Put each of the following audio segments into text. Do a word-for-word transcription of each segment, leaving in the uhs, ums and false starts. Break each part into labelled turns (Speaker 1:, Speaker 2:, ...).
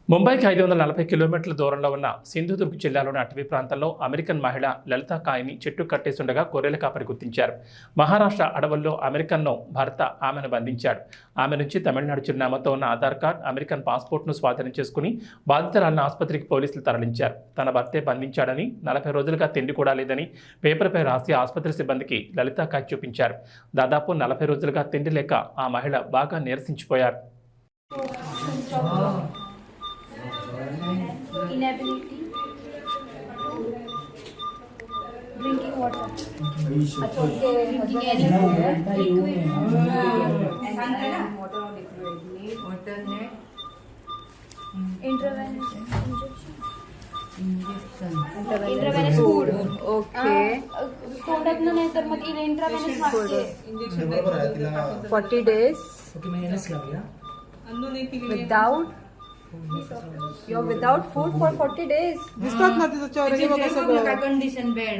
Speaker 1: ముంబైకి ఐదు వందల నలభై కిలోమీటర్ల దూరంలో ఉన్న సింధుదుర్గ్ జిల్లాలోని అటవీ ప్రాంతంలో అమెరికన్ మహిళ లలితా కాయ్ని చెట్టు కట్టేస్తుండగా గొర్రెల కాపరి గుర్తించారు. మహారాష్ట్ర అడవుల్లో అమెరికన్ను భర్త ఆమెను బంధించాడు. ఆమె నుంచి తమిళనాడు చిరునామాతో ఉన్న ఆధార్ కార్డ్, అమెరికన్ పాస్పోర్ట్ను స్వాధీనం చేసుకుని బాధితురాలను ఆసుపత్రికి పోలీసులు తరలించారు. తన భర్తే బంధించాడని, నలభై రోజులుగా తిండి కూడా లేదని పేపర్పై రాసి ఆసుపత్రి సిబ్బందికి లలితా కాయ్ చూపించారు. దాదాపు నలభై రోజులుగా తిండి లేక ఆ మహిళ బాగా నీరసించిపోయారు.
Speaker 2: Inability drinking water, drinking any food, liquid,
Speaker 3: water or liquid, need alternate
Speaker 2: intravenous injection,
Speaker 3: injection,
Speaker 2: intravenous food.
Speaker 3: Okay.
Speaker 2: तोंडात न नाही तर मग intravenous मागते.
Speaker 3: forty days without you're without food for forty days.
Speaker 4: दिसतात ना तिचं चेहरा बघा सगळं.
Speaker 3: Condition bed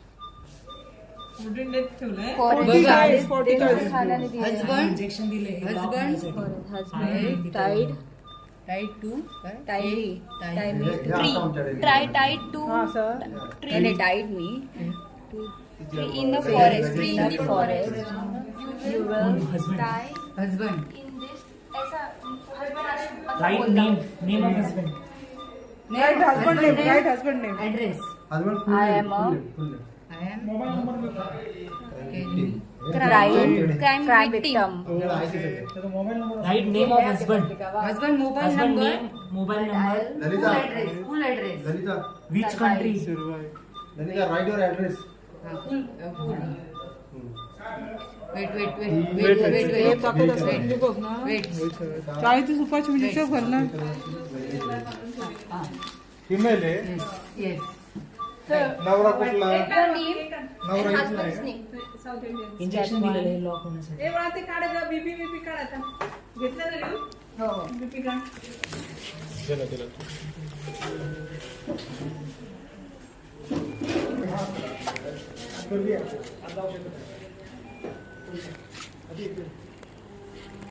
Speaker 4: forty days, forty days.
Speaker 3: husband injection dile husband husband tied tied to tied tied me
Speaker 2: Tree, try tied to
Speaker 4: हाँ sir.
Speaker 3: and they tied me to
Speaker 2: tree in the forest, tree in the
Speaker 3: forest.
Speaker 2: forest.
Speaker 3: You will
Speaker 2: Die
Speaker 3: husband
Speaker 2: in this ऐसा husband असं
Speaker 5: Right
Speaker 2: बोलता.
Speaker 5: name, name of husband.
Speaker 4: Right husband name, right husband name.
Speaker 3: address
Speaker 6: Husband full
Speaker 3: I
Speaker 6: name,
Speaker 3: am a
Speaker 6: full name, full name.
Speaker 3: I am
Speaker 2: Crime,
Speaker 3: crime
Speaker 2: crime
Speaker 3: victim.
Speaker 2: victim.
Speaker 5: Right name of husband.
Speaker 3: husband mobile
Speaker 5: Husband
Speaker 3: number
Speaker 5: name, mobile number.
Speaker 3: full
Speaker 6: Lalita,
Speaker 3: address full address
Speaker 6: Lalita,
Speaker 5: Which country?
Speaker 6: Lalita, write your address.
Speaker 3: Uh, full uh, full
Speaker 6: Hmm.
Speaker 3: wait wait wait wait wait wait
Speaker 4: हे
Speaker 3: wait
Speaker 4: टाकत असतात ते बघ ना.
Speaker 3: wait
Speaker 4: चाळीस रुपयाची म्हणजे शेव घाल ना.
Speaker 3: ah
Speaker 6: Female आहे.
Speaker 3: yes yes
Speaker 6: नवरा कुठला?
Speaker 2: Your name
Speaker 6: नवरा
Speaker 2: and
Speaker 6: इथला
Speaker 2: husband's
Speaker 6: आहे.
Speaker 2: name.
Speaker 5: Injection दिलेलं आहे lock होण्यासाठी.
Speaker 4: हे बघा ते काढा जा बीपी बीपी काढा आता. घेतलं ना लिहून?
Speaker 3: हो
Speaker 4: बीपी काढ.
Speaker 6: दिला, दिला. करूया. आता औषध.